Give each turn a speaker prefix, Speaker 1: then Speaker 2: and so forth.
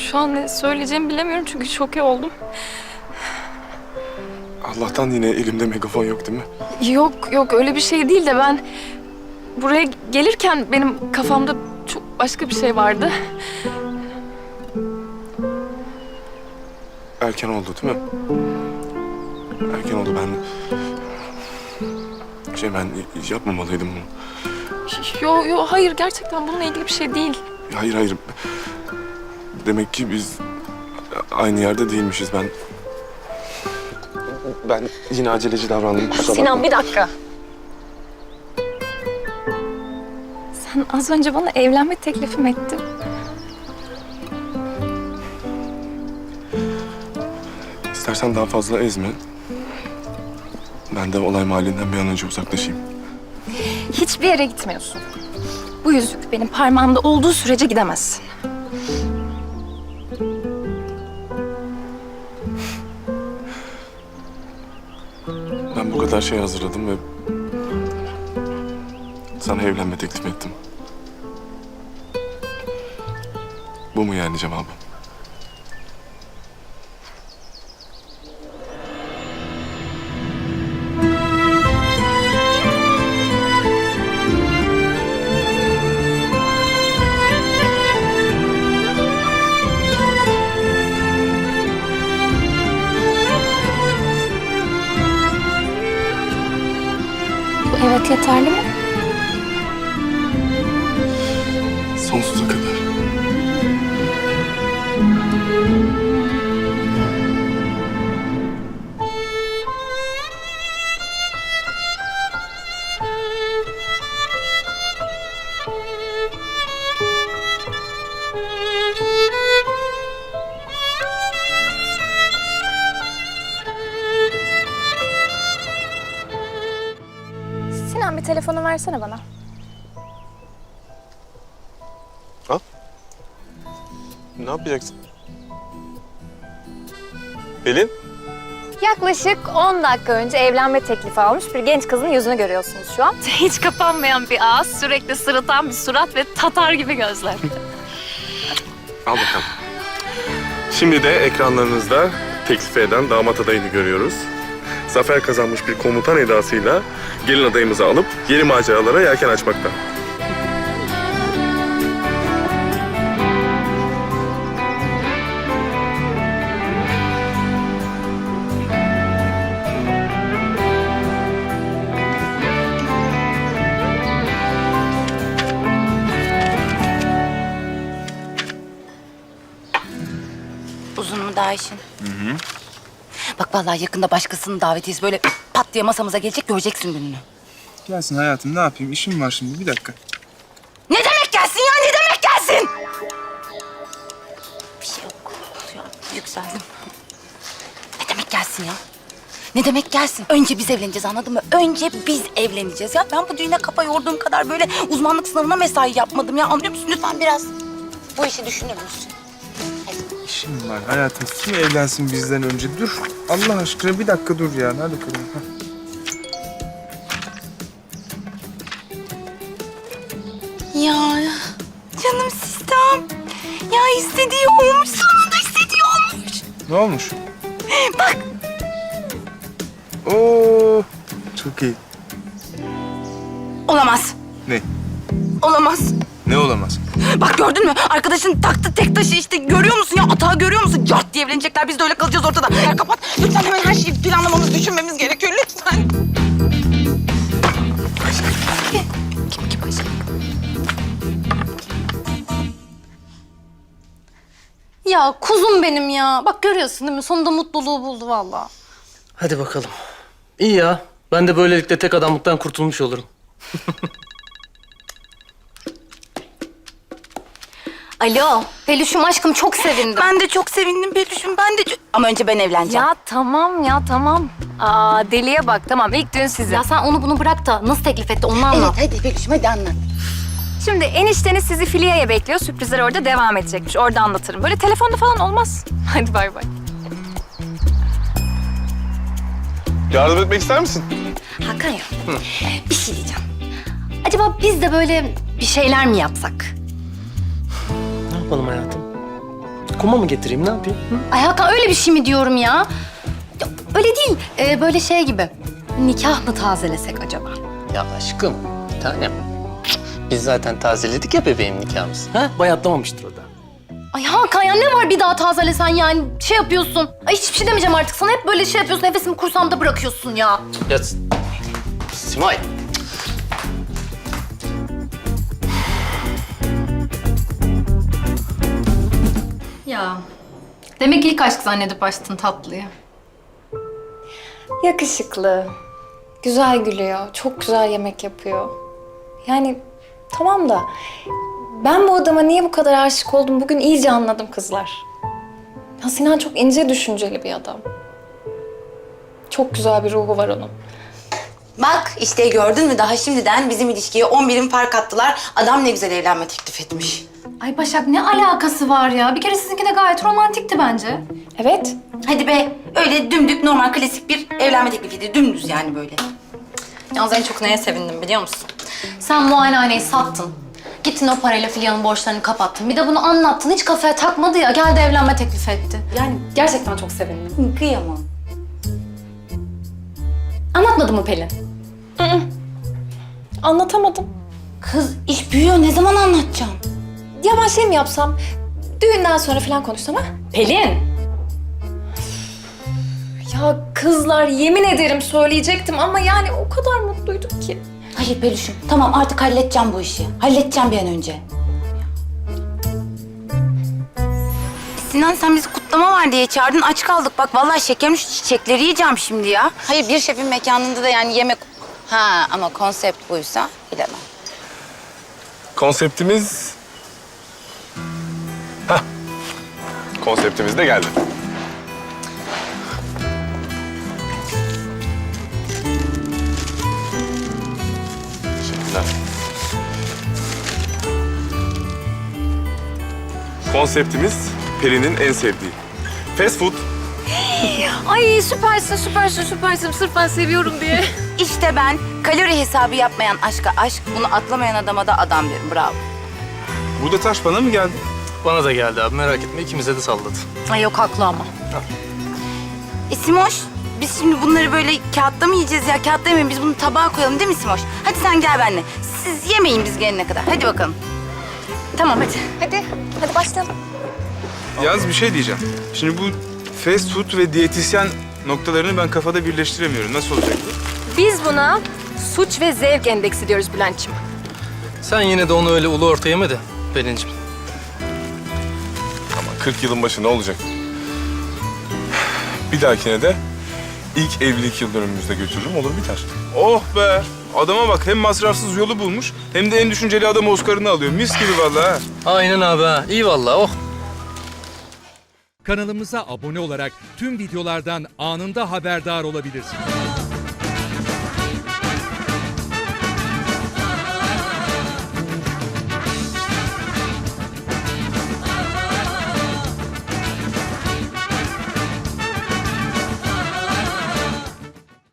Speaker 1: şu an ne söyleyeceğimi bilemiyorum çünkü şoke oldum.
Speaker 2: Allah'tan yine elimde megafon yok değil mi?
Speaker 1: Yok öyle bir şey değil de ben buraya gelirken benim kafamda çok başka bir şey vardı.
Speaker 2: Erken oldu değil mi? Erken oldu ben... ben yapmamalıydım bunu.
Speaker 1: Hayır gerçekten bununla ilgili bir şey değil.
Speaker 2: Hayır. Demek ki biz aynı yerde değilmişiz. Ben yine aceleci davrandım. Kusura bakma.
Speaker 1: Sinan bir dakika. Sen az önce bana evlenme teklifim ettin.
Speaker 2: İstersen daha fazla ezme. Ben de olay mahallinden bir an önce uzaklaşayım.
Speaker 1: Hiçbir yere gitmiyorsun. Bu yüzük benim parmağımda olduğu sürece gidemezsin.
Speaker 2: Ben bu kadar şey hazırladım ve... sana evlenme teklif ettim. Bu mu yani cevabı?
Speaker 1: Bu evet yeterli mi?
Speaker 2: Sonsuza kadar.
Speaker 1: Sinan bir telefonu versene bana.
Speaker 2: Al. Ne yapacaksın? Pelin?
Speaker 1: Yaklaşık 10 dakika önce evlenme teklifi almış bir genç kızın yüzünü görüyorsunuz şu an. Hiç kapanmayan bir ağız, sürekli sırıtan bir surat ve tatar gibi gözler.
Speaker 2: Al bakalım. Şimdi de ekranlarınızda teklif eden damat adayını görüyoruz. Zafer kazanmış bir komutan edasıyla gelin adayımızı alıp yeni maceralara yelken açmakta.
Speaker 3: Uzun mu daha işin? Bak vallahi yakında başkasının davetiyesi böyle pat diye masamıza gelecek, göreceksin gününü.
Speaker 4: Gelsin hayatım, ne yapayım? İşim var şimdi, bir dakika.
Speaker 3: Ne demek gelsin ya, ne demek gelsin? Bir şey yok. Ya, yükseldim. Ne demek gelsin ya? Ne demek gelsin? Önce biz evleneceğiz, anladın mı? Önce biz evleneceğiz ya. Ben bu düğüne kafa yorduğum kadar böyle uzmanlık sınavına mesai yapmadım ya. Anlıyor musun? Lütfen biraz bu işi düşünür müsün?
Speaker 4: İşim var hayatım. Kim evlensin bizden önce? Dur. Allah aşkına bir dakika dur ya. Hadi bakalım. Hah.
Speaker 3: Ya canım sistem. Ya istediği olmuş, sonunda istediği olmuş.
Speaker 4: Ne olmuş?
Speaker 3: Bak.
Speaker 4: Oo, çok iyi.
Speaker 3: Olamaz.
Speaker 4: Ne?
Speaker 3: Olamaz.
Speaker 4: Ne olamaz?
Speaker 3: Bak gördün mü? Arkadaşın taktı tek taşı işte. Görüyor musun ya? Atağı görüyor musun? Cart diye evlenecekler. Biz de öyle kalacağız ortada. Ya kapat. Lütfen hemen her şeyi planlamamız, düşünmemiz gerekiyor. Lütfen. Kim Ayşe?
Speaker 5: Ya kuzum benim ya. Bak görüyorsun değil mi? Sonunda mutluluğu buldu vallahi.
Speaker 6: Hadi bakalım. İyi ya. Ben de böylelikle tek adamlıktan kurtulmuş olurum.
Speaker 5: Alo. Peluşum aşkım çok sevindim.
Speaker 3: Ben de çok sevindim Peluş'um. Ben de çok... Ama önce ben evleneceğim.
Speaker 1: Ya tamam. Aa deliye bak tamam ilk düğün sizin.
Speaker 5: Ya sen onu bunu bırak da nasıl teklif etti onu anlat.
Speaker 3: Evet hadi Peluş'um hadi anlat.
Speaker 1: Şimdi enişteniz sizi Filya'ya bekliyor. Sürprizler orada devam edecekmiş. Orada anlatırım. Böyle telefonda falan olmaz. Hadi bay bay.
Speaker 2: Yardım etmek ister misin?
Speaker 5: Hakan ya. Bir şey diyeceğim. Acaba biz de böyle bir şeyler mi yapsak?
Speaker 6: Ne yapalım hayatım? koma mı getireyim, ne yapayım? Hı?
Speaker 5: Ay Hakan öyle bir şey mi diyorum ya? Ya, öyle değil. Böyle şey gibi. Nikah mı tazelesek acaba?
Speaker 6: Ya aşkım, bir tanem. Biz zaten tazeledik ya bebeğim nikahımızı. Ha? Bayatlamamıştır o da.
Speaker 5: Ay Hakan ya ne var bir daha tazelesen yani şey yapıyorsun. Ay hiçbir şey demeyeceğim artık sana. Hep böyle şey yapıyorsun. Nefesimi kursamda bırakıyorsun ya.
Speaker 6: Ya Simay.
Speaker 5: Ya demek ki ilk aşk zannedip açtın tatlıyı.
Speaker 1: Yakışıklı, güzel gülüyor, çok güzel yemek yapıyor. Yani tamam da ben bu adama niye bu kadar aşık oldum bugün iyice anladım kızlar. Ya Sinan çok ince düşünceli bir adam. Çok güzel bir ruhu var onun.
Speaker 3: Bak işte gördün mü daha şimdiden bizim ilişkiye 10 birim fark attılar. Adam ne güzel evlenme teklif etmiş.
Speaker 5: Ay Başak ne alakası var ya? Bir kere sizinki de gayet romantikti bence.
Speaker 1: Evet,
Speaker 3: Hadi be öyle dümdük normal klasik bir evlenme teklifiydi. Dümdüz yani böyle.
Speaker 5: Yalnız en çok neye sevindim biliyor musun? Sen muayenehaneyi sattın. Gittin o parayla Filya'nın borçlarını kapattın. Bir de bunu anlattın. Hiç kafaya takmadı ya. Geldi evlenme teklif etti.
Speaker 1: yani gerçekten çok sevindim.
Speaker 3: Kıyamam.
Speaker 5: Anlatmadı mı Pelin?
Speaker 1: Anlatamadım.
Speaker 3: Kız iş büyüyor ne zaman anlatacağım?
Speaker 1: Ya ben şey mi yapsam, düğünden sonra falan konuşsam ha?
Speaker 5: Pelin!
Speaker 1: Ya kızlar yemin ederim söyleyecektim ama yani o kadar mutluyduk ki.
Speaker 3: Hayır Peluş'um tamam artık halledeceğim bu işi. Halledeceğim bir an önce. Sinan sen bizi kutlama var diye çağırdın aç kaldık. Bak vallahi şekerim şu çiçekleri yiyeceğim şimdi ya. Hayır bir şefin mekanında da yani yemek... Ha ama konsept buysa bilemem.
Speaker 2: Konseptimiz... Hah. Konseptimiz de geldi. Teşekkürler. Konseptimiz Peri'nin en sevdiği. Fast food.
Speaker 1: Ay süpersin, süpersin, süpersin. Sırf ben seviyorum diye.
Speaker 3: İşte ben kalori hesabı yapmayan aşka aşk, bunu atlamayan adama da adam derim. Bravo.
Speaker 4: Burada taş bana mı geldi?
Speaker 6: Bana da geldi abi, merak etme. İkimize de salladı.
Speaker 5: Ay yok haklı ama.
Speaker 3: Simoş, biz şimdi bunları böyle kağıtta mı yiyeceğiz ya? Kağıtta yemeyin, biz bunu tabağa koyalım değil mi Simoş? Hadi sen gel benimle. Siz yemeyin biz gelene kadar. Hadi bakalım.
Speaker 5: Tamam hadi.
Speaker 1: Hadi başlayalım.
Speaker 4: Yalnız bir şey diyeceğim. Şimdi bu fast food ve diyetisyen noktalarını ben kafada birleştiremiyorum. Nasıl olacak bu?
Speaker 1: Biz buna suç ve zevk endeksi diyoruz Bülent'ciğim.
Speaker 6: Sen yine de onu öyle ulu orta yeme de Pelin'cim.
Speaker 2: Ama 40 yılın başı ne olacak? Bir dahakine de ilk evlilik yıl dönümümüzde götürürüm, olur biter.
Speaker 4: Oh be! Adama bak hem masrafsız yolu bulmuş hem de en düşünceli adam Oscar'ını alıyor. Mis gibi vallahi. ha.
Speaker 6: Aynen abi ha. İyi vallahi, oh.
Speaker 7: Kanalımıza abone olarak tüm videolardan anında haberdar olabilirsiniz.